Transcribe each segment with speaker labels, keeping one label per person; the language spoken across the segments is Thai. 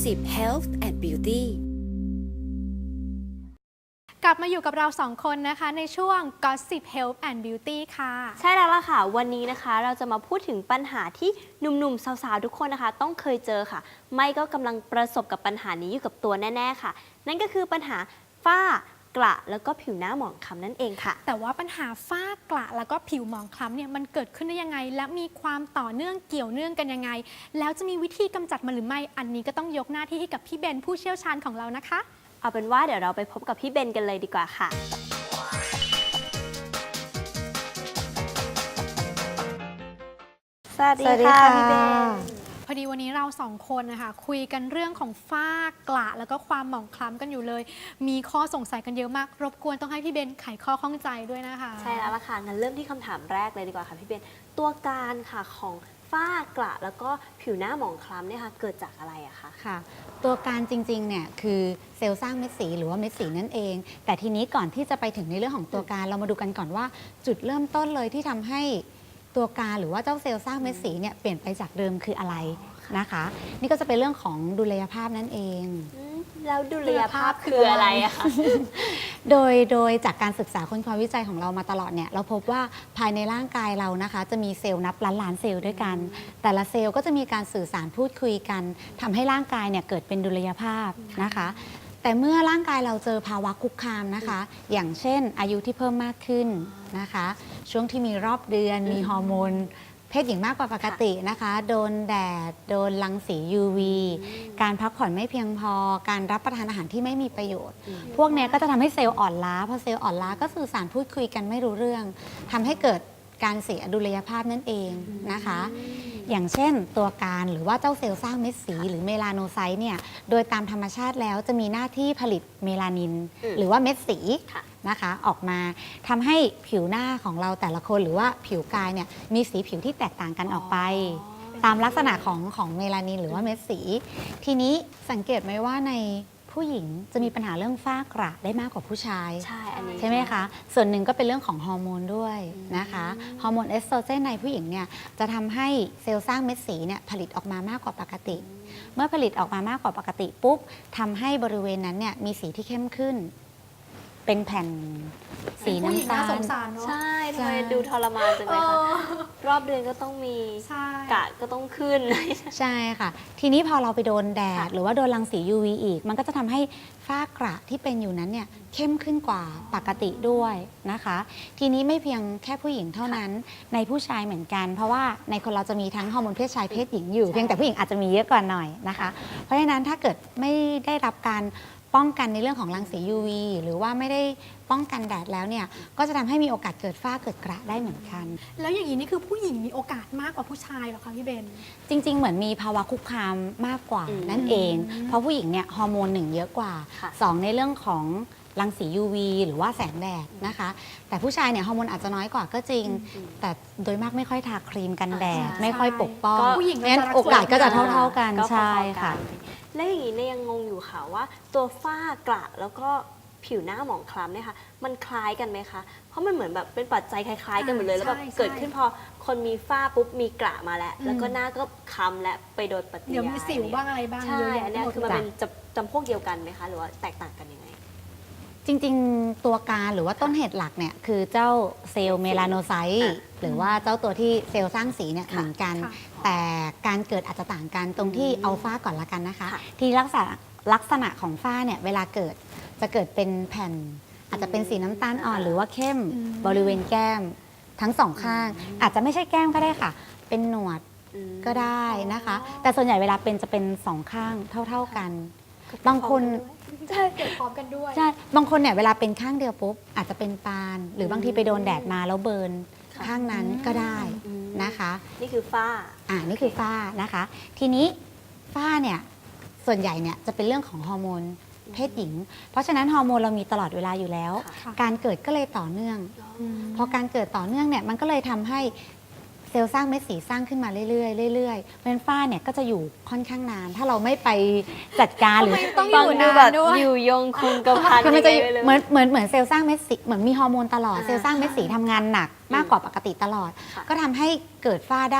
Speaker 1: Gossip Health and Beauty
Speaker 2: กลับมาอยู่กับเรา2คนนะคะในช่วง Gossip Health and Beauty ค่ะ
Speaker 3: ใช่แล้วล่ะค่ะวันนี้นะคะเราจะมาพูดถึงปัญหาที่หนุ่มๆสาวๆทุกคนนะคะต้องเคยเจอค่ะไม่ก็กำลังประสบกับปัญหานี้อยู่กับตัวแน่ๆค่ะนั่นก็คือปัญหาฝ้ากระแล้วก็ผิวหน้าหมองคล้ำนั่นเองค่ะ
Speaker 2: แต่ว่าปัญหาฝ้ากระแล้วก็ผิวหมองคล้ำเนี่ยมันเกิดขึ้นได้ยังไงและมีความต่อเนื่องเกี่ยวเนื่องกันยังไงแล้วจะมีวิธีกำจัดมันหรือไม่อันนี้ก็ต้องยกหน้าที่ให้กับพี่เบนผู้เชี่ยวชาญของเรานะคะ
Speaker 3: เอาเป็นว่าเดี๋ยวเราไปพบกับพี่เบนกันเลยดีกว่าค่ะสวัสดีค่ะพี่เบน
Speaker 2: พอดีวันนี้เรา2คนนะคะคุยกันเรื่องของฝ้ากระแล้วก็ความหมองคล้ำกันอยู่เลยมีข้อสงสัยกันเยอะมากรบกวนต้องให้พี่เบนไขข้อข้องใจด้วยนะคะ
Speaker 3: ใช่แล้วล่ะค่ะงั้นเริ่มที่คำถามแรกเลยดีกว่าค่ะพี่เบนตัวการค่ะของฝ้ากระแล้วก็ผิวหน้าหมองคล้ำเนี่ยค่ะเกิดจากอะไรอะคะ
Speaker 4: ค่ะตัวการจริงๆเนี่ยคือเซลล์สร้างเม็ดสีหรือว่าเม็ดสีนั่นเองแต่ทีนี้ก่อนที่จะไปถึงในเรื่องของตัวการเรามาดูกันก่อนว่าจุดเริ่มต้นเลยที่ทำให้ตัวการหรือว่าเจ้าเซลล์สร้างเม็ดสีเนี่ยเปลี่ยนไปจากเดิมคืออะไรนะคะนี่ก็จะเป็นเรื่องของดุลยภาพนั่นเอง
Speaker 3: แล้วดุลยภาพคืออะไรอะคะ
Speaker 4: โดยจากการศึกษาค้นคว้าวิจัยของเรามาตลอดเนี่ยเราพบว่าภายในร่างกายเรานะคะจะมีเซลล์นับล้านเซลล์ด้วยกันแต่ละเซลล์ก็จะมีการสื่อสารพูดคุยกันทำให้ร่างกายเนี่ยเกิดเป็นดุลยภาพนะคะแต่เมื่อร่างกายเราเจอภาวะคุกคามนะคะอย่างเช่นอายุที่เพิ่มมากขึ้นนะคะช่วงที่มีรอบเดือนมีฮอร์โมนเพศหญิงมากกว่าปกตินะคะโดนแดดโดนรังสี UV การพักผ่อนไม่เพียงพอการรับประทานอาหารที่ไม่มีประโยชน์พวกนี้ก็จะทำให้เซลล์อ่อนล้าพอเซลล์อ่อนล้าก็สื่อสารพูดคุยกันไม่รู้เรื่องทำให้เกิดการเสียดุลยภาพนั่นเองนะคะอย่างเช่นตัวการหรือว่าเจ้าเซลล์สร้างเม็ดสีหรือเมลาโนไซต์เนี่ยโดยตามธรรมชาติแล้วจะมีหน้าที่ผลิตเมลานินหรือว่าเม็ดสีนะคะออกมาทำให้ผิวหน้าของเราแต่ละคนหรือว่าผิวกายเนี่ยมีสีผิวที่แตกต่างกันออกไปตามลักษณะของเมลานินหรือว่าเม็ดสีทีนี้สังเกตไหมว่าในผู้หญิงจะมีปัญหาเรื่องฝ้ากระได้มากกว่าผู้ชาย
Speaker 3: ใช่อันนี้
Speaker 4: ใช่ไหมคะส่วนหนึ่งก็เป็นเรื่องของฮอร์โมนด้วยนะคะฮอร์โมนเอสโตรเจนในผู้หญิงเนี่ยจะทำให้เซลล์สร้างเม็ดสีเนี่ยผลิตออกมามากกว่าปกติเมื่อผลิตออกมามากกว่าปกติปุ๊บทำให้บริเวณนั้นเนี่ยมีสีที่เข้มขึ้นเป็นแผ่นสีน้ำตาล
Speaker 3: ใช่ทำไมดูทรมานจังเลยคะรอบเดือนก็ต้องมีกะก็ต้องขึ้น
Speaker 4: ใช่ค่ะทีนี้พอเราไปโดนแดดหรือว่าโดนรังสี UV อีกมันก็จะทำให้ฝ้ากระที่เป็นอยู่นั้นเนี่ยเข้มขึ้นกว่าปกติด้วยนะคะทีนี้ไม่เพียงแค่ผู้หญิงเท่านั้นในผู้ชายเหมือนกันเพราะว่าในคนเราจะมีทั้งฮอร์โมนเพศชายเพศหญิงอยู่เพียงแต่ผู้หญิงอาจจะมีเยอะกว่าหน่อยนะคะเพราะฉะนั้นถ้าเกิดไม่ได้รับการป้องกันในเรื่องของรังสี UV หรือว่าไม่ได้ป้องกันแดดแล้วเนี่ยก็จะทำให้มีโอกาสเกิดฝ้าเกิดกระได้เหมือนกัน
Speaker 2: แล้วอย่างนี้นี่คือผู้หญิงมีโอกาสมากกว่าผู้ชายเหรอคะพี่เบน
Speaker 4: จริงๆเหมือนมีภาวะคุกคามมากกว่านั่นเองเพราะผู้หญิงเนี่ยฮอร์โมน1เยอะกว่า2ในเรื่องของรังสี UV หรือว่าแสงแดดนะคะแต่ผู้ชายเนี่ยฮอร์โมนอาจจะน้อยกว่าก็จริงแต่โดยมากไม่ค่อยทาครีมกันแดดไม่ค่อยปกป้อง
Speaker 2: ผู้หญิง
Speaker 4: งั้นโอกาสก็จะเท่าๆกันใช่ค่ะ
Speaker 3: และอย่างนี้เนี่ยยังงงอยู่ค่ะว่าตัวฝ้ากระแล้วก็ผิวหน้าหมองคล้ำเนี่ยค่ะมันคล้ายกันไหมคะเพราะมันเหมือนแบบเป็นปัจจัยคล้ายๆกันหมดเลยแล้วแบบเกิดขึ้นพอคนมีฝ้าปุ๊บมีกระมาแล้วก็หน้าก็คล้ำและไปโดนปฏิกิริยา
Speaker 2: เดี๋ยวมีสิวบ้างอะไรบ้าง
Speaker 3: ใช่อันนี้คือมันเป็นจำพวกเดียวกันไหมคะหรือว่าแตกต่างกันยังไง
Speaker 4: จริงๆตัวการหรือว่าต้นเหตุหลักเนี่ยคือเจ้าเซลล์เมลาโนไซต์หรือว่าเจ้าตัวที่เซลล์สร้างสีเนี่ยเหมือนกันแต่การเกิดอาจจะต่างกันตรงที่เอาฝ้าก่อนละกันนะคะที่ลักษณะของฝ้าเนี่ยเวลาเกิดจะเกิดเป็นแผ่นอาจจะเป็นสีน้ำตาลอ่อนหรือว่าเข้มบริเวณแก้มทั้งสองข้างอาจจะไม่ใช่แก้มก็ได้ค่ะเป็นหนวดก็ได้นะคะแต่ส่วนใหญ่เวลาเป็นจะเป็นสองข้างเท่ากันบางคน
Speaker 2: ใช่เกิดพร้อมกันด้วย
Speaker 4: ใช่บางคนเนี่ยเวลาเป็นข้างเดียวปุ๊บอาจจะเป็นปานหรือบางทีไปโดนแดดมาแล้วเบิร์นข้างนั้นก็ได้นะคะ
Speaker 3: นี่คือฝ้า
Speaker 4: นี่คือฝ้านะคะทีนี้ฝ้าเนี่ยส่วนใหญ่เนี่ยจะเป็นเรื่องของฮอร์โมนเพศหญิงเพราะฉะนั้นฮอร์โมนเรามีตลอดเวลาอยู่แล้วการเกิดก็เลยต่อเนื่องพอการเกิดต่อเนื่องเนี่ยมันก็เลยทำให้เซลล์สร้างเม็ดสีสร้างขึ้นมาเรื่อยๆเรื่อยๆเพราะฉะนั้นฝ้าเนี่ยก็จะอยู่ค่อนข้างนานถ้าเราไม่ไปจัดการหรือ
Speaker 2: ต้องอยู่นานด้วย
Speaker 3: อยู่ยงคงกระพัน
Speaker 4: มันจะเหมือนเซลล์สร้างเม็ดสีเหมือนมีฮอร์โมนตลอดเซลล์สร้างเม็ดสีทำงานหนักมากกว่าปกติตลอดก็ทำให้เกิดฝ้าได้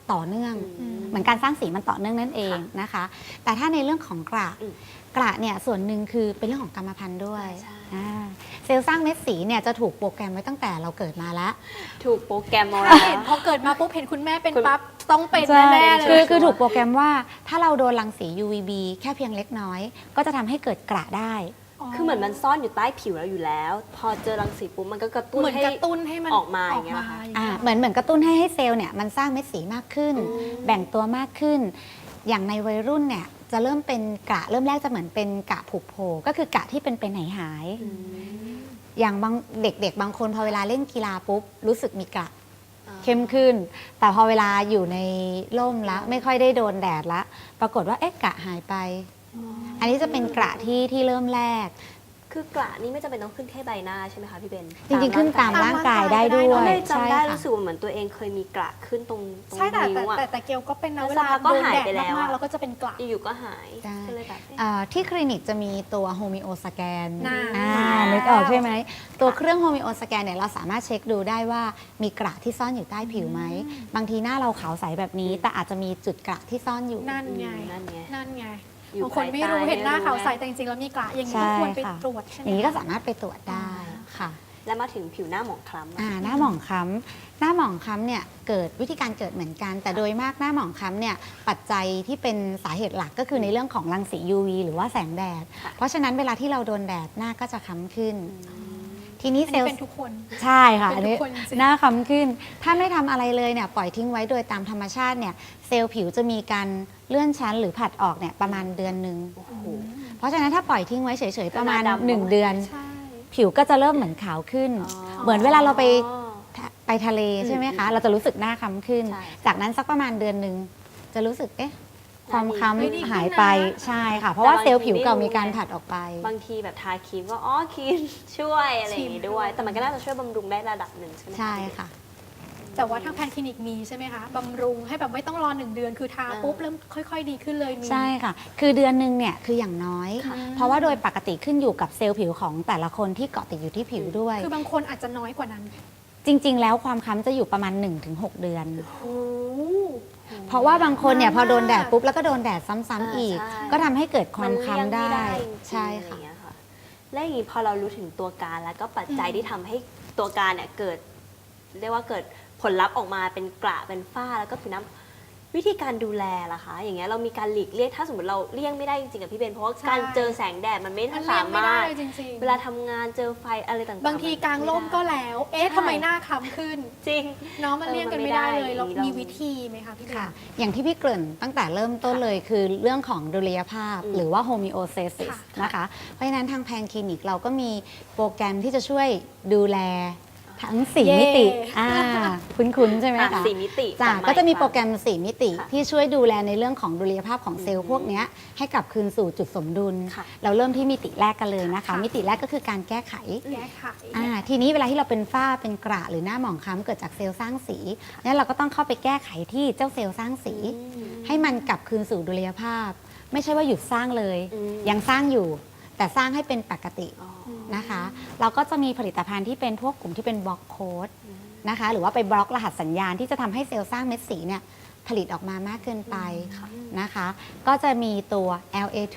Speaker 4: ต่อเนื่อง
Speaker 2: อืม
Speaker 4: เหมือนการสร้างสีมันต่อเนื่องนั่นเองนะคะ แต่ถ้าในเรื่องของกระ
Speaker 3: อืม
Speaker 4: กระเนี่ยส่วนหนึ่งคือเป็นเรื่องของกรรมพันธุ์ด้วย
Speaker 3: ใช่
Speaker 4: เซลล์สร้างเม็ดสีเนี่ยจะถูกโปรแกรมไว้ตั้งแต่เราเกิดมาแล้ว
Speaker 3: ถูกโปรแกรมมา
Speaker 2: ถ้า
Speaker 3: แล้
Speaker 2: เห็น
Speaker 3: ว
Speaker 2: พอเกิดมาปุ๊บเห็นคุณแม่เป็น
Speaker 3: คุณ
Speaker 2: ปั๊บต้องเป็นแน่ๆเล
Speaker 4: คือย คือถูกโปรแกรมว่าถ้าเราโดนรังสี UVB แค่เพียงเล็กน้อย ก็จะทำให้เกิดกระได้
Speaker 3: คือเหมือนมันซ่อนอยู่ใต้ผิวเราอยู่แล้ว พอเจอรังสีปุ๊บมันก็กระตุ้น
Speaker 2: เหมือน
Speaker 3: ให้
Speaker 2: กระตุ้นให้มัน
Speaker 3: ออกมาอย่างเงี้ยเหรอคะ
Speaker 4: เหมือนกระตุ้นให้เซลล์เนี่ยมันสร้างเม็ดสีมากขึ้น แบ่งตัวมากขึ้น อย่างในวัยรุ่นเนี่ยจะเริ่มเป็นกระเริ่มแรกจะเหมือนเป็นกระผุโผล่ก็คือกระที่เป็นไปไหนหาย อย่างบางเด็กๆ บางคนพอเวลาเล่นกีฬาปุ๊บรู้สึกมีกระเข้มขึ้น แต่พอเวลาอยู่ในร่มแล้วไม่ค่อยได้โดนแดดละปรากฏว่าเอ๊ะกระหายไป อันนี้จะเป็นกระที่เริ่มแรก
Speaker 3: คือกระนี่ไม่จำเป็นต้องขึ้นแค่ใบหน้าใช่ไหมคะพี่เบน
Speaker 4: จริงๆขึ้นตามร่างกายได้ด้ว
Speaker 3: ก็
Speaker 4: ย
Speaker 3: เลยจำได้
Speaker 4: ค่ะ
Speaker 3: รู้สึกว่าเหมือนตัวเองเคยมีกระขึ้นตรง
Speaker 2: ใช่แต่
Speaker 3: นิ้วอะ
Speaker 2: แต่เกลก็เป็นนะ
Speaker 3: แล้ว
Speaker 2: เวลา
Speaker 3: สักพักก็
Speaker 2: โดน
Speaker 3: หาย
Speaker 2: แดด
Speaker 3: ไปแล้ว
Speaker 2: มาก
Speaker 3: อะ
Speaker 2: ๆเราก็จะเป็นกระ
Speaker 3: อยู่ๆก็หาย
Speaker 4: ใช่
Speaker 3: ก็เลยแบบเอ๊ะ
Speaker 4: ที่คลินิกจะมีตัวโฮมิโอสแกน
Speaker 2: น่า
Speaker 4: นึกออกใช่ไหม ตัวเครื่องโฮมิโอสแกนเนี่ยเราสามารถเช็คดูได้ว่ามีกระที่ซ่อนอยู่ใต้ผิวไหม บางทีหน้าเราขาวใสแบบนี้ แต่อาจจะมีจุดกระที่ซ่อนอยู่
Speaker 2: นั่นไง
Speaker 3: นั่นไง
Speaker 2: นั่นไง
Speaker 3: อยู่
Speaker 2: บางคนไม่รู้
Speaker 3: ภายใต้
Speaker 2: เห็นหน้า
Speaker 3: ไม่รู้
Speaker 2: ขาวใส
Speaker 3: ไง
Speaker 2: แต่จริงๆแล้วมีกระอย่างนี้
Speaker 4: ใช่
Speaker 2: ก็ควรไป
Speaker 4: ค่ะ
Speaker 2: ตรวจใช่ไหม
Speaker 4: อย่างนี้ก็
Speaker 2: คะ
Speaker 4: สามารถไปตรวจได้ค่ะ
Speaker 3: แล้วมาถึงผิวหน้าหมองคล้ำอะ
Speaker 4: หน้าหมองคล้ำหน้าหมองคล้ำเนี่ยเกิดวิธีการเกิดเหมือนกัน แต่โดยมากหน้าหมองคล้ำเนี่ยปัจจัยที่เป็นสาเหตุหลักก็คือในเรื่องของรังสี UV หรือว่าแสงแดด เพราะฉะนั้นเวลาที่เราโดนแดดหน้าก็จะคล้ำขึ้น ทีนี้
Speaker 2: อัน
Speaker 4: เซล
Speaker 2: นี้
Speaker 4: ล์
Speaker 2: เป็นทุกคน
Speaker 4: ใช่ค่ะ
Speaker 2: เป็น
Speaker 4: อันนี้
Speaker 2: ทุกคนจริง
Speaker 4: หน้าคล้ำขึ้น ถ้าไม่ทำอะไรเลยเนี่ยปล่อยทิ้งไว้โดยตามธรรมชาติเนี่ยเซลล์ผิวจะมีการเลื่อนชั้นหรือผัดออกเนี่ยประมาณเดือนหนึ่ง
Speaker 3: โอ้โห
Speaker 4: เพราะฉะนั้นถ้าปล่อยทิ้งไว้เฉยๆประมาณ
Speaker 3: หน้าดำ
Speaker 4: 1 เดือน
Speaker 2: ใช่
Speaker 4: ผิวก็จะเริ่มเหมือนขาวขึ้น เหมือนเวลาเราไปทะเลใช่ไหมคะ เราจะรู้สึกหน้าคล้ำขึ้น
Speaker 3: ใช่
Speaker 4: จากนั้นสักประมาณเดือนหนึ่งจะรู้สึกเอ๊ะความค
Speaker 2: ไม่ดีขึ้น
Speaker 4: ล้ำหายไป
Speaker 2: นะ
Speaker 4: ใช่ค่ะ เพราะว่า
Speaker 3: แต่บาง
Speaker 4: เซลล์ผิวเก่า
Speaker 3: ทีไม่รู้
Speaker 4: มีการ
Speaker 3: ไง
Speaker 4: ผัดออกไป
Speaker 3: บางทีแบบทาครีมก็อ๋อครีมช่วยอะไรอย่างงี้ด้วย แต่มันก็น่าจะช่วยบำรุงได้ระดับหนึ่งใช่ไหม
Speaker 4: ใช่ค่ะ
Speaker 2: แต่ว่าทางแพนคลินิกมีใช่ไหมคะบำรุงให้แบบไม่ต้องรอ1 เดือนคือทาปุ๊บเริ่มค่อย ๆ ดีขึ้นเลยมี
Speaker 4: ใช่ค่ะ คือเดือนหนึ่งเนี่ยคืออย่างน้อย เพราะว่าโดยปกติขึ้นอยู่กับเซลล์ผิวของแต่ละคนที่เกาะติดอยู่ที่ผิวด้วย
Speaker 2: คือบางคนอาจจะน้อยกว่านั้น
Speaker 4: จริง ๆ แล้วความคล้ำจะอยู่ประมาณ 1-6 เดือน
Speaker 2: โอ้
Speaker 4: เพราะว่าบางคนเนี่ย
Speaker 2: นาน
Speaker 4: พอโดน
Speaker 2: มาก
Speaker 4: แดดปุ๊บแล้วก็โดนแดดซ้ำๆอีก
Speaker 3: ใช่
Speaker 4: ก็ทำให้เกิดความคล้ำได้
Speaker 3: มันเลี่ยงม่จริงๆ
Speaker 4: ใช่
Speaker 3: อะไรอ
Speaker 4: ค่ะ
Speaker 3: ย่างเงี้ยค่ะ และอย่างนี้พอเรารู้ถึงตัวการแล้วก็ปัจจัยที่ทำให้ตัวการเนี่ยเกิด เรียกว่าเกิดผลลัพธ์ออกมาเป็นกระเป็นฝ้าแล้วก็ผิวน้ำวิธีการดูแลล่ะคะ อย่างเงี้ยเรามีการหลีกเลี่ยงถ้าสมมติเราเลี่ยงไม่ได้จริงๆกับพี่เบนเพราะว่าการเจอแสงแดดมันไม่
Speaker 2: มันเลี่
Speaker 3: สาย
Speaker 2: งไม่
Speaker 3: มาร
Speaker 2: ได้
Speaker 3: ถ
Speaker 2: จริงๆ
Speaker 3: เวลาทำงานเจอไฟอะไรต่างๆ
Speaker 2: บางทีกลางร่มก็แล้ว เอ๊ะ
Speaker 3: ใช่
Speaker 2: ทำไมหน้าคล้ำขึ้น
Speaker 3: จริง
Speaker 2: เน้องมันเลี่ยงกันไม่ได้เลยเรา
Speaker 3: มันไม่ได้
Speaker 2: มีวิธีไหมคะพี่เบน
Speaker 4: ค่ะ อย่างที่พี่เกริ่นตั้งแต่เริ่มต้นเลยคือเรื่องของดุลยภาพ หรือว่าโฮมิโอสเตซิส
Speaker 2: ค่ะ
Speaker 4: นะคะ เพราะฉะนั้นทางแพนคลินิกเราก็มีโปรแกรมที่จะช่วยดูแลทั้ง 4 มิติคุ้นๆใช่ไหม
Speaker 3: อ่ะ
Speaker 4: คะ
Speaker 3: 4 มิติ
Speaker 4: จ้ะ
Speaker 3: จำไว้
Speaker 4: ก็จะมี
Speaker 3: ค่ะ
Speaker 4: โปรแกรม 4 มิติ
Speaker 3: ค่ะ
Speaker 4: ที่ช่วยดูแลในเรื่องของดุลยภาพของเซลล์พวกเนี้ยให้กลับคืนสู่จุดสมดุล
Speaker 3: ค่ะ
Speaker 4: เราเริ่มที่มิติแรกกันเลยนะคะ
Speaker 2: ค่ะ
Speaker 4: มิติแรกก็คือการแก้ไข
Speaker 2: แก้ไข
Speaker 4: ทีนี้เวลาที่เราเป็นฝ้าเป็นกระหรือหน้าหมองคล้ำเกิดจากเซลล์สร้างสีนั้นเราก็ต้องเข้าไปแก้ไขที่เจ้าเซลล์สร้างสี ให้มันกลับคืนสู่ดุลยภาพ ไม่ใช่ว่าหยุดสร้างเลย
Speaker 3: อืม
Speaker 4: ยังสร้างอยู่ แต่สร้างให้เป็นปกติ
Speaker 3: อ๋อ
Speaker 4: นะคะ เราก็จะมีผลิตภัณฑ์ที่เป็นพวกกลุ่มที่เป็นบล็อกโค้ดนะคะหรือว่าไปบล็อกรหัสสัญญาณที่จะทำให้เซลล์สร้างเม็ดสีเนี่ยผลิตออกมามากเกินไปนะคะ ก็จะมีตัว LA2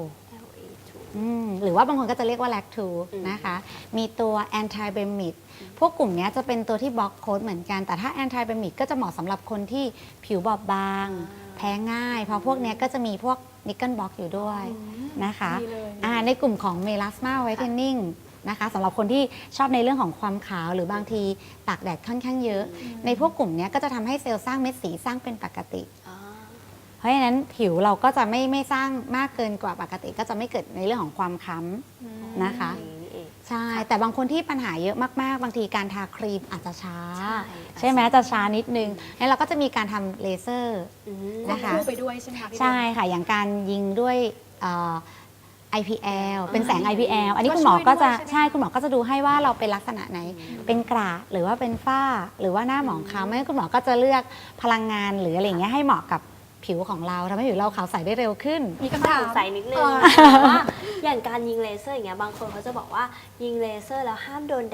Speaker 4: หรือว่าบางคนก็จะเรียกว่า LAC2 นะคะ มีตัว anti b e m i d พวกกลุ่มนี้จะเป็นตัวที่บล็อกโค้ดเหมือนกัน แต่ถ้า anti b e m i d ก็จะเหมาะสำหรับคนที่ผิวบอบบาง แพ้ง่าย เพราะพวกนี้ก็จะมีพวกนิกเกิลบล็อกอยู่ด้วยนะคะ
Speaker 2: ดีเลย
Speaker 4: ในกลุ่มของ melasma whitening นะคะสำหรับคนที่ชอบในเรื่องของความขาวหรือบางทีตากแดดค่อนข้างเยอะ ในพวกกลุ่มนี้ก็จะทำให้เซลล์สร้างเม็ดสีสร้างเป็นปกติ
Speaker 3: อ๋อ
Speaker 4: เพราะฉะนั้นผิวเราก็จะไม่สร้างมากเกินกว่าปกติ ก็จะไม่เกิดในเรื่องของความค้ำนะคะ
Speaker 3: อย่างนี้นี่เอง
Speaker 4: ใช่ แต่บางคนที่ปัญหาเยอะมากๆ บางทีการทาครีมอาจจะช้า
Speaker 3: ใช่
Speaker 4: ใช่ไหมจะช้านิดนึงแล้วเราก็จะมีการทำเลเซอร์
Speaker 3: อืม
Speaker 4: นะคะ
Speaker 2: คู่ไปด้วยใช่ไหมคะพี่เบน
Speaker 4: ใช่ค่ะ อย่างการยิงด้วยIPL เป็นแสง
Speaker 3: อ่า
Speaker 4: IPL อันนี้
Speaker 2: ก็
Speaker 4: คุณหมอก็จะ
Speaker 2: ช่วยด้วยใช่ไหม
Speaker 4: ใช่คุณหมอก็จะดูให้ว่าเราเป็นลักษณะไหน เป็นกระหรือว่าเป็นฝ้าหรือว่าหน้าหมองคล้ำไม่งั้นคุณหมอก็จะเลือกพลังงานหรืออะไรอย่างเงี้ยให้เหมาะกับผิวของเราทำให้ผิวเราขาวใสได้เร็วขึ้น
Speaker 2: มีคำถาม
Speaker 3: สงสัยนิดนึง
Speaker 2: เออ
Speaker 3: ว่าอย่างการยิงเลเซอร์อย่างเงี้ยบางคนเขาจะบอกว่ายิงเลเซอร์แล้วห้ามโดนแดด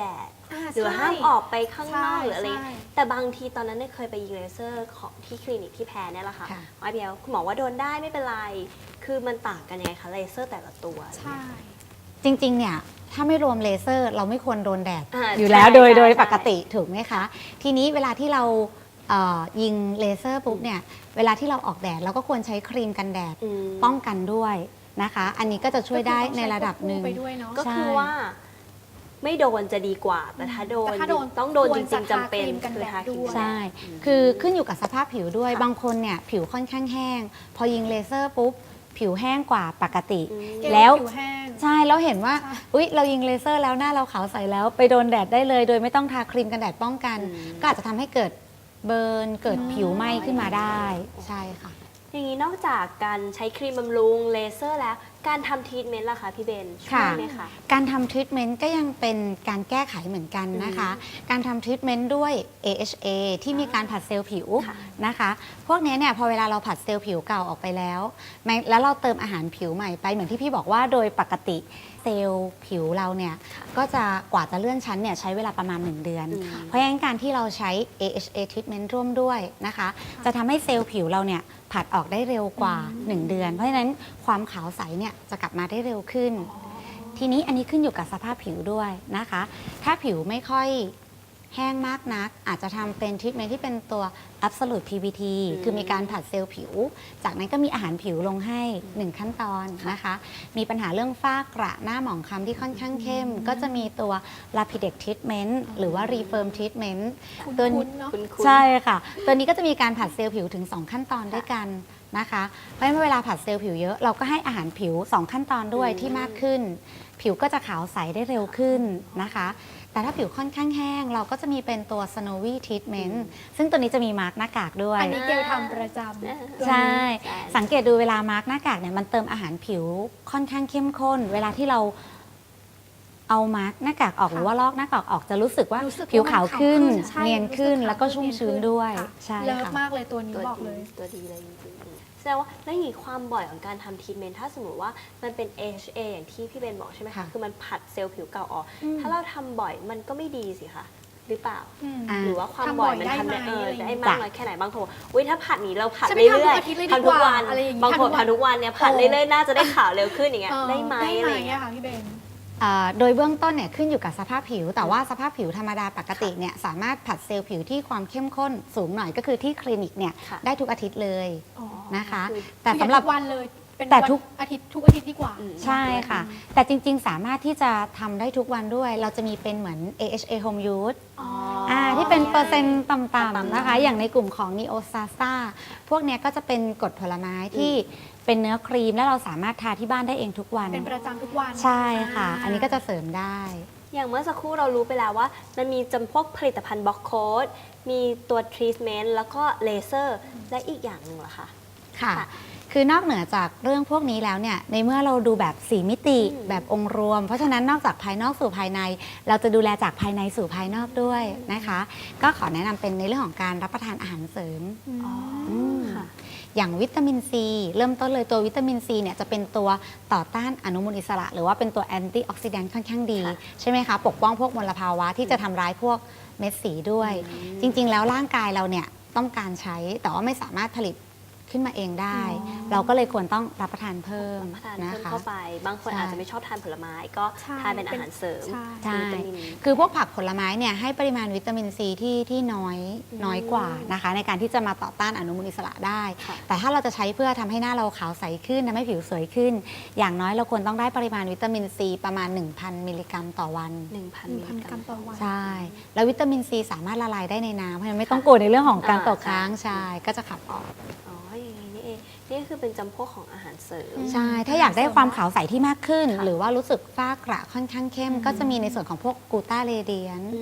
Speaker 3: หรือว่าห้ามออกไปข้างนอก
Speaker 2: ใช่
Speaker 3: หรืออะไร
Speaker 2: ใช่
Speaker 3: แต่บางทีตอนนั้นเนี่ยเคยไปยิงเลเซอร์ของที่คลินิกที่แพ้เนี่ยแหละค่ะ
Speaker 4: ค่ะ
Speaker 3: ไอเบียคุณหมอว่าโดนได้ไม่เป็นไร คือมันต่างกันยังไงคะเลเซอร์แต่ละตัว
Speaker 2: ใช่
Speaker 4: จริงๆ เนี่ยถ้าไม่รวมเลเซอร์เราไม่ควรโดนแดด
Speaker 3: า
Speaker 4: อยู่แล้ว
Speaker 3: ใช่
Speaker 4: โดย
Speaker 3: ใช่
Speaker 4: ปกติถูกไหมคะ ทีนี้เวลาที่เรายิงเลเซอร์ปุ๊บเนี่ยเวลาที่เราออกแดดเราก็ควรใช้ครีมกันแดด
Speaker 3: อืม
Speaker 4: ป้องกันด้วยนะคะ อันนี้ก็จะช่วยได้ในระดับหนึ่ง
Speaker 2: ก็คือต้องใช้ควบคู่ไปด้วยเนาะ
Speaker 3: ก็คือว่าไม่โดนจะดีกว่า แต่ถ้าโดน
Speaker 2: แต่ถ้าโดน
Speaker 3: ต้องโดน
Speaker 2: คว
Speaker 3: จ
Speaker 2: ร
Speaker 3: ริ
Speaker 2: จะ
Speaker 3: งๆจำเป็น
Speaker 2: ทาครีมกัน
Speaker 3: คือ
Speaker 2: แดด
Speaker 3: ทาครีม
Speaker 2: ด้วย
Speaker 3: กันแดด
Speaker 4: ใช่ คือขึ้นอยู่กับสภาพผิวด้วย
Speaker 3: ค่ะ
Speaker 4: บางคนเนี่ยผิวค่อนข้างแห้ง พอยิงเลเซอร์ปุ๊บ ผิวแห้งกว่าปกติ
Speaker 3: อืม
Speaker 2: เกล
Speaker 4: แล้ว
Speaker 2: ผิวแห้ง
Speaker 4: ใช่แล้วเห็นว่า
Speaker 2: ใช่
Speaker 4: อุ๊ย เรายิงเลเซอร์แล้วหน้าเราขาวใสแล้วไปโดนแดดได้เลย โดยไม่ต้องทาครีมกันแดดป้องกัน
Speaker 3: อืม
Speaker 4: ก็อาจจะทำให้เกิดเบิร์น เกิดผิวไหม้ขึ้นมาได้ ใช่ค่ะ
Speaker 3: อย่างนี้นอกจากการใช้ครีมบำรุงเลเซอร์แล้ว การทำทรีทเมนต์ล่ะคะพี่เบนช่วย
Speaker 4: ค่ะ
Speaker 3: ไหมคะ
Speaker 4: การทำทรีทเมนต์ก็ยังเป็นการแก้ไขเหมือนกันนะคะ การทำทรีทเมนต์ด้วย AHA ที่มีการผัดเซลล์ผิว
Speaker 3: ค่ะ
Speaker 4: นะคะ พวกนี้เนี่ยพอเวลาเราผัดเซลล์ผิวเก่าออกไปแล้วแล้วเราเติมอาหารผิวใหม่ไปเหมือนที่พี่บอกว่าโดยปกติเซลล์ผิวเราเนี่ยก็จะกว่าจะเลื่อนชั้นเนี่ยใช้เวลาประมาณ 1 เดือน
Speaker 3: อืม
Speaker 4: เพราะฉะนั้นการที่เราใช้ AHA treatment ร่วมด้วยนะคะ จะทำให้เซลล์ผิวเราเนี่ยผัดออกได้เร็วกว่า 1 เดือน เพราะฉะนั้นความขาวใสเนี่ยจะกลับมาได้เร็วขึ้น ทีนี้อันนี้ขึ้นอยู่กับสภาพผิวด้วยนะคะ ถ้าผิวไม่ค่อยแห้งมากนัก อาจจะทำเป็นทรีทเมนต์ที่เป็นตัว Absolute PBT คือมีการผัดเซลล์ผิว จากนั้นก็มีอาหารผิวลงให้ 1 ขั้นตอนนะคะ มีปัญหาเรื่องฝ้ากระหน้าหมองคล้ำที่ค่อนข้างเข้ม ก็จะมีตัว Lapidex Treatment หรือว่า Refirm Treatment ตัวนี้
Speaker 2: คุ้นๆเนาะ
Speaker 3: คุณ
Speaker 4: ใช่ค่ะ ตัวนี้ก็จะมีการผัดเซลล์ผิวถึง 2 ขั้นตอนด้วยกันนะคะ เพราะฉะนั้นเวลาผัดเซลล์ผิวเยอะ เราก็ให้อาหารผิว 2 ขั้นตอนด้วยที่มากขึ้น ผิวก็จะขาวใสได้เร็วขึ้นนะคะ แต่ถ้าผิวค่อนข้างแห้ง เราก็จะมีเป็นตัว Snowy Treatment ซึ่งตัวนี้จะมีมาร์กหน้ากากด้วย
Speaker 2: อันนี้เกลทำประจำ
Speaker 4: ใช่ สังเกตดูเวลามาร์กหน้ากากเนี่ยมันเติมอาหารผิวค่อนข้างเข้มข้น เวลาที่เราเอามาร์กหน้ากากออก
Speaker 2: ค่ะ
Speaker 4: หรือว่าลอกหน้ากากออกจะรู้สึกว่า
Speaker 2: รู้สึก
Speaker 4: ผิวขาวขึ้น
Speaker 2: ใช่
Speaker 4: เนียนขึ้น
Speaker 2: รู้สึกขาว
Speaker 4: แล้วก็ชุ่มชื้นด้วย
Speaker 2: ค่ะ
Speaker 4: ใช่
Speaker 2: เลิฟ
Speaker 4: ค่ะ
Speaker 2: มากเลยตัวนี้
Speaker 3: ตัว
Speaker 2: บอก
Speaker 3: ดี
Speaker 2: เลย
Speaker 3: ตัวดีเลยจริงๆแสดงว่าแล้วอย่างนี้ความบ่อยของการทำทรีทเมนต์ถ้าสมมติว่ามันเป็น AHA อย่างที่พี่เบนบอกใช่ไหมคะ
Speaker 4: ค่ะ
Speaker 3: คือมันผัดเซลล์ผิวเก่าออก
Speaker 2: อืม
Speaker 3: ถ้าเราทำบ่อยมันก็ไม่ดีสิคะหรือเปล่า
Speaker 4: อ่า
Speaker 3: หรือว่าความ
Speaker 2: ทำ
Speaker 3: บ่
Speaker 2: บ่
Speaker 3: อ
Speaker 2: อย ย
Speaker 3: มัน
Speaker 2: ได้
Speaker 3: ทำ
Speaker 2: ไหม
Speaker 3: ได้
Speaker 2: อะไรอย่าง
Speaker 3: ได้
Speaker 2: เงี้ย
Speaker 3: มากน้อยแค่ไหนบางคนอุ้ยถ้าผัดนี้เราผัด
Speaker 2: ฉันไม่
Speaker 3: เรื่อย
Speaker 2: ทำทุกอาทิตย์เลย
Speaker 3: ๆทำทุกวัน
Speaker 2: ดีกว่าอะไรอย่างงี้
Speaker 3: บางคน
Speaker 2: ทำทุกวัน
Speaker 3: ทำทุกวันเนี่ยผัดเรื่อยๆน่าจะได้ขาวเร็วขึ้นอย่างเงี้ย
Speaker 2: เออ
Speaker 3: ได้ไหม
Speaker 2: ได้
Speaker 3: อะ
Speaker 2: ไหม
Speaker 3: ไรอย่างเงี้ย
Speaker 2: อะค่ะพี่เบน
Speaker 4: โดยเบื้องต้นเนี่ยขึ้นอยู่กับสภาพผิว แต่ว่าสภาพผิวธรรมดาปกติเนี่ยสามารถผัดเซลล์ผิวที่ความเข้มข้นสูงหน่อยก็คือที่คลินิกเนี่ย
Speaker 3: ค่ะ
Speaker 4: ได้ทุกอาทิตย์เลย
Speaker 2: อ๋อ
Speaker 4: นะคะ
Speaker 3: คือ
Speaker 4: แต่สำหรับ
Speaker 2: ทุกวันเลยเป็น
Speaker 4: แต่
Speaker 2: วัน
Speaker 4: ทุก
Speaker 2: อาทิตย์ทุกอาทิตย์ดีกว่า
Speaker 3: อืม
Speaker 4: ใช่ค่ะ แต่จริง ๆ สามารถที่จะทำได้ทุกวันด้วย เราจะมีเป็นเหมือน AHA Home Use
Speaker 2: อ๋อ
Speaker 4: ที่เป็นเปอร์เซ็นต์ต่ำ
Speaker 3: ต่ำ
Speaker 4: ๆ
Speaker 3: ๆ
Speaker 4: นะคะ อย่างในกลุ่มของ Neo s a s a พวกเนี้ยก็จะเป็นกรดผลไม้ที่เป็นเนื้อครีม และเราสามารถทาที่บ้านได้เองทุกวัน
Speaker 2: เป็นประจำทุกวัน
Speaker 4: ใช่ค่ะ อันนี้ก็จะเสริมได้
Speaker 3: อย่างเมื่อสักครู่เรารู้ไปแล้วว่า มันมีจำพวกผลิตภัณฑ์บล็อกโค้ดมีตัวทรีทเมนต์แล้วก็เลเซอร์และอีกอย่างหนึ่งเหรอคะ
Speaker 4: ค่ะ
Speaker 3: ค่ะ
Speaker 4: คือนอกเหนือจากเรื่องพวกนี้แล้วเนี่ย ในเมื่อเราดูแบบ4มิติ
Speaker 3: อืม
Speaker 4: แบบองค์รวม เพราะฉะนั้นนอกจากภายนอกสู่ภายใน เราจะดูแลจากภายในสู่ภายนอกด้วยนะคะ ก็ขอแนะนำเป็นในเรื่องของการรับประทานอาหารเสริม
Speaker 3: อ๋อ
Speaker 4: ม
Speaker 3: ค่ะ
Speaker 4: อย่างวิตามินซีเริ่มต้นเลยตัววิตามินซีเนี่ยจะเป็นตัวต่อต้านอนุมูลอิสระ หรือว่าเป็นตัวแอนตี้ออกซิแดนต์ค่อนข้างดี
Speaker 3: ค่ะ
Speaker 4: ใช่ไหมคะ ปกป้องพวกมลภาวะที่จะทำร้ายพวกเม็ดสีด้วย จริงๆ แล้วร่างกายเราเนี่ยต้องการใช้แต่ว่าไม่สามารถผลิตขึ้นมาเองได้
Speaker 2: อ๋อ
Speaker 4: เราก็เลยควรต้องรับประทานเพิ่ม
Speaker 3: รับประทาน
Speaker 4: นะ
Speaker 3: เพิ่ม
Speaker 4: คะ
Speaker 3: เข้าไป บางคน
Speaker 4: ใช่
Speaker 3: อาจจะไม่ชอบทานผลไม้ก็
Speaker 2: ใช่
Speaker 3: ทานเป็นอาหารเสริม
Speaker 2: ใช่
Speaker 4: ใช่
Speaker 3: วิตามิน
Speaker 4: คือพวกผักผลไม้เนี่ยให้ปริมาณวิตามินซีที่น้อยกว่านะคะ ในการที่จะมาต่อต้านอนุมูลอิสระได้
Speaker 3: ค่ะ
Speaker 4: แต่ถ้าเราจะใช้เพื่อทำให้หน้าเราขาวใสขึ้นทำให้ผิวสวยขึ้น อย่างน้อยเราควรต้องได้ปริมาณวิตามินซีประมาณ 1,000 มิลลิกรัมต่อวัน
Speaker 3: 1,000 มิลลิ
Speaker 2: 1,000
Speaker 3: ก
Speaker 2: ก
Speaker 3: รั
Speaker 2: รั
Speaker 3: ม
Speaker 2: มต่อวัน
Speaker 4: ใช่ แล้ววิตามินซีสามารถละลายได้ในน้ำเพราะฉะนั้นไม่ต้องกลัวในเรื่องของการตกค้างใช่ก็จะขับออก
Speaker 3: อ๋ออย่างนี้นี่เองนี่คือเป็นจำพวกของอาหารเสริม
Speaker 4: ใช่ ถ้าอยากได้ความขาวใสที่มากขึ้น
Speaker 3: ค่ะ
Speaker 4: หรือว่ารู้สึกฝ้ากระค่อนข้างเข้ม ก็จะมีในส่วนของพวกกูต้าเรเดียน
Speaker 3: อืม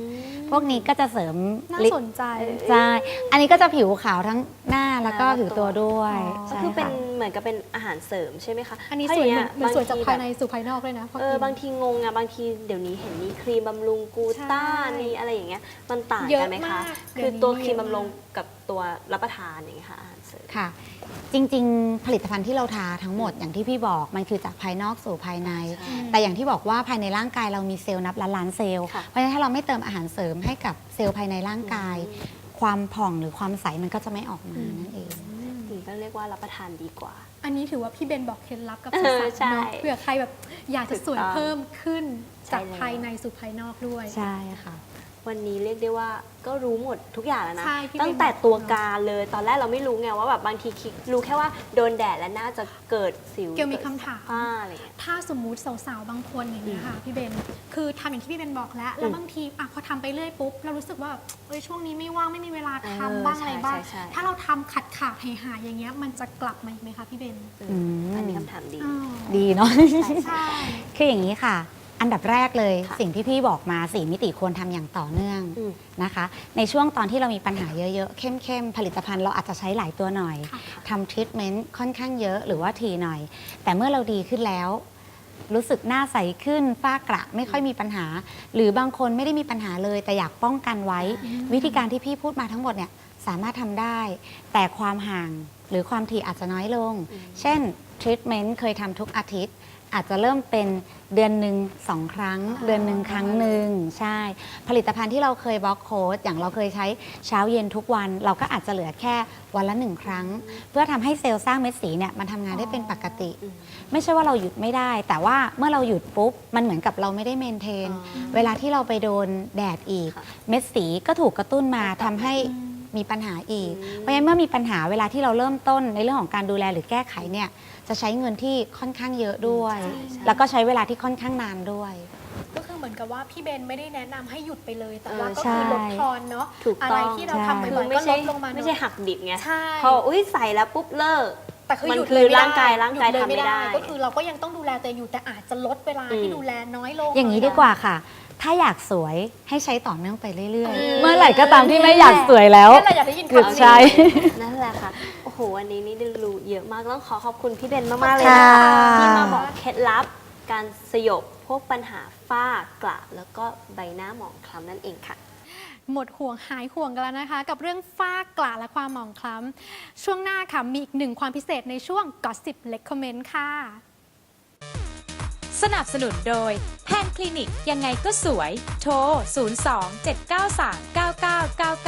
Speaker 4: พวกนี้ก็จะเสริม
Speaker 2: น่า
Speaker 4: ลิป
Speaker 2: สนใจ
Speaker 4: ใช่อันนี้ก็จะผิวขาวทั้งหน้าแล้วก็ผิวตัวด้วย
Speaker 2: อ๋อ
Speaker 3: ก็
Speaker 4: ใช่
Speaker 3: คือเป็น
Speaker 4: ค่ะ
Speaker 3: เหมือนกับเป็นอาหารเสริมใช่ไหมคะ
Speaker 2: อันนี้
Speaker 3: เพราะ
Speaker 2: สวย
Speaker 3: ย่ง
Speaker 2: เหมือนสวยจาก
Speaker 3: บงที
Speaker 2: ภายใน
Speaker 3: แบบ
Speaker 2: สู่ภายนอกเลยนะพอกิน
Speaker 3: บางทีงงอะบางทีเดี๋ยวนี้เห็นมีครีมบำรุงกูต้า
Speaker 2: ใช่
Speaker 3: มีอะไรอย่างเงี้ยมันต่าง
Speaker 2: เยอะ
Speaker 3: กันไหมคะ
Speaker 2: มาก
Speaker 3: คือ
Speaker 2: เดี๋ยวนี้
Speaker 3: ตัวครีม
Speaker 2: เยอะ
Speaker 3: บำรุง
Speaker 2: มาก
Speaker 3: กับตัวรับประทานอย่างเงี้ยค่ะอาหารเสริม
Speaker 4: ค่ะ จริงๆ ผลิตภัณฑ์ที่เราทาทั้งหมดอย่างที่พี่บอกมันคือจากภายนอกสู่ภายใน
Speaker 3: ใช่
Speaker 4: แต่อย่างที่บอกว่าภายในร่างกายเรามีเซลล์นับล้านๆเซลล์
Speaker 3: ค่ะ
Speaker 4: เพราะฉะนั้นถ้าเราไม่เติมอาหารเสริมให้กับเซลล์ภายในร่างกาย ความผ่องหรือความใสมันก็จะไม่ออกมานั่นเอง
Speaker 3: ถึงก็เรียกว่ารับประทานดีกว่า
Speaker 2: อันนี้ถือว่าพี่เบนบอกเคล็ดลับกับ
Speaker 3: เอ
Speaker 2: สา
Speaker 3: อ
Speaker 2: ว
Speaker 3: ใช่
Speaker 2: ๆเนาะเผื่อใครแบบอยากจะสวย
Speaker 3: ถูกต้อง
Speaker 2: เพิ่มขึ้น
Speaker 3: ใช่
Speaker 2: จาก
Speaker 3: แล้ว
Speaker 2: ภายในสู่ภายนอกด้วย
Speaker 4: ใช่ค่ะ
Speaker 3: วันนี้เรียกได้ว่าก็รู้หมดทุกอย่างแล้วนะ
Speaker 2: ใช่พี่
Speaker 3: ตั้ง
Speaker 2: เบน
Speaker 3: แต่
Speaker 2: บอก
Speaker 3: ตัวการเลยตอนแรกเราไม่รู้ไงว่าแบบบางทีคิดรู้แค่ว่าโดนแดดแล้วน่าจะเกิดสิว
Speaker 2: เกี่ยวมีคำถาม
Speaker 3: ฝ้าอะไรอย่างเงี้ย
Speaker 2: ถ้าสมมุติสาวๆ บางคนอย่างนี้ยค่ะพี่เบน คือทำอย่างที่พี่เบนบอกแล้ว แล้วบางทีอ่ะพอทำไปเรื่อยปุ๊บ เรารู้สึกว่าเอ้ยช่วงนี้ไม่ว่างไม่มีเวลาทำบ้างอะไรบ้าง
Speaker 3: ใช่
Speaker 2: ถ้าเราทำขาดหายๆอย่างเงี้ยมันจะกลับมาอีกไหมคะพี่เบน
Speaker 3: อันนี้คำถามดี
Speaker 2: อ๋อ
Speaker 4: ดีเนาะ
Speaker 2: ใช่
Speaker 4: คืออย่างนี้ค่ะ อันดับแรกเลย
Speaker 3: ค่ะ
Speaker 4: สิ่งที่พี่บอกมา4มิติควรทำอย่างต่อเนื่อง
Speaker 3: อืม
Speaker 4: นะคะ ในช่วงตอนที่เรามีปัญหาเยอะๆ เข้มๆ ผลิตภัณฑ์เราอาจจะใช้หลายตัวหน่อย
Speaker 2: ค่ะ
Speaker 4: ทำทรีทเมนต์ค่อนข้างเยอะหรือว่าทีหน่อย แต่เมื่อเราดีขึ้นแล้ว รู้สึกหน้าใสขึ้นฝ้ากระไม่ค่อยมีปัญหา หรือบางคนไม่ได้มีปัญหาเลย แต่อยากป้องกันไว้ วิธีการที่พี่พูดมาทั้งหมดเนี่ยสามารถทำได้ แต่ความห่างหรือความถี่อาจจะน้อยลง เช่นทรีทเมนต์เคยทำทุกอาทิตย์ อาจจะเริ่มเป็นเดือนหนึ่ง2 ครั้ง เดือนหนึ่งครั้งหนึ่งใช่ ผลิตภัณฑ์ที่เราเคยบล็อกโค้ดอย่างเราเคยใช้เช้าเย็นทุกวัน เราก็อาจจะเหลือแค่วันละ1 ครั้ง เพื่อทำให้เซลล์สร้างเม็ดสีเนี่ยมันทำงานได้เป็นปกติ ไม่ใช่ว่าเราหยุดไม่ได้ แต่ว่าเมื่อเราหยุดปุ๊บมันเหมือนกับเราไม่ได้เมนเทน เวลาที่เราไปโดนแดดอีก
Speaker 3: ค่ะ
Speaker 4: เม็ดสีก็ถูกกระตุ้นมาทำให้มีปัญหาอีก เพราะฉะนั้นเมื่อมีปัญหาเวลาที่เราเริ่มต้นในเรื่องของการดูแลหรือแก้ไขเนี่ยจะใช้เงินที่ค่อนข้างเยอะด้วย
Speaker 3: ใช่
Speaker 4: แล้วก็ใช้เวลาที่ค่อนข้างนานด้วย
Speaker 2: ก็คือเหมือนกับว่าพี่เบนไม่ได้แนะนำให้หยุดไปเลย แต่
Speaker 3: เออ
Speaker 2: ว่าก็
Speaker 4: ใช่
Speaker 2: คือลดทอนเนาะ
Speaker 3: ถูก
Speaker 2: อะ
Speaker 3: ต้
Speaker 2: ไร
Speaker 3: อง
Speaker 2: ที่เราทำไป
Speaker 3: คื
Speaker 2: บ่อ
Speaker 3: อย ไม่
Speaker 2: ก็ล
Speaker 3: ใช่
Speaker 2: ดลงมา
Speaker 3: ไม่ใช่
Speaker 2: เนาะ
Speaker 3: หักดิบไง
Speaker 2: ใช่
Speaker 3: พออุ้ยใส่แล้วปุ๊บเลิก
Speaker 2: แต่คือ
Speaker 3: มัน
Speaker 2: หยุด
Speaker 3: คือ
Speaker 2: เลยไม่ได้
Speaker 3: ร่างกาย
Speaker 2: หยุดเลย
Speaker 3: ทำไม่ได้
Speaker 2: ก็คือเราก็ยังต้องดูแลตัวเองอยู่แต่อาจจะลดเวลาที่ดูแลน้อยลง
Speaker 4: อย่างนี้ดีกว่าค่ะ ถ้าอยากสวยให้ใช้ต่อเนื่องไปเรื่อย
Speaker 3: อืม
Speaker 4: ๆ เมื่อไหร่ก็ตามที่ไม่อยากสวยแล้ว
Speaker 2: นี่แหละอยากได้ยิน
Speaker 4: หยุด
Speaker 2: คำนี้
Speaker 4: ใช้
Speaker 3: นั่นแหละค่ะ โอ้โห วันนี้นี่ได้รู้เยอะมาก ต้องขอขอบคุณพี่เบนมาก ๆ เลยนะ
Speaker 4: ค่ะ
Speaker 3: คะที่มาบอกเคล็ดลับการสยบพวกปัญหาฝ้ากระแล้วก็ใบหน้าหมองคล้ำนั่นเองค่ะ
Speaker 2: หมดห่วงหายห่วงกันแล้วนะคะ กับเรื่องฝ้ากระและความหมองคล้ำช่วงหน้าค่ะมีอีกหนึ่งความพิเศษในช่วง Gossip Recommend ค่ะ
Speaker 5: สนับสนุนโดยแพนคลินิกยังไงก็สวย โทร 02 793 9999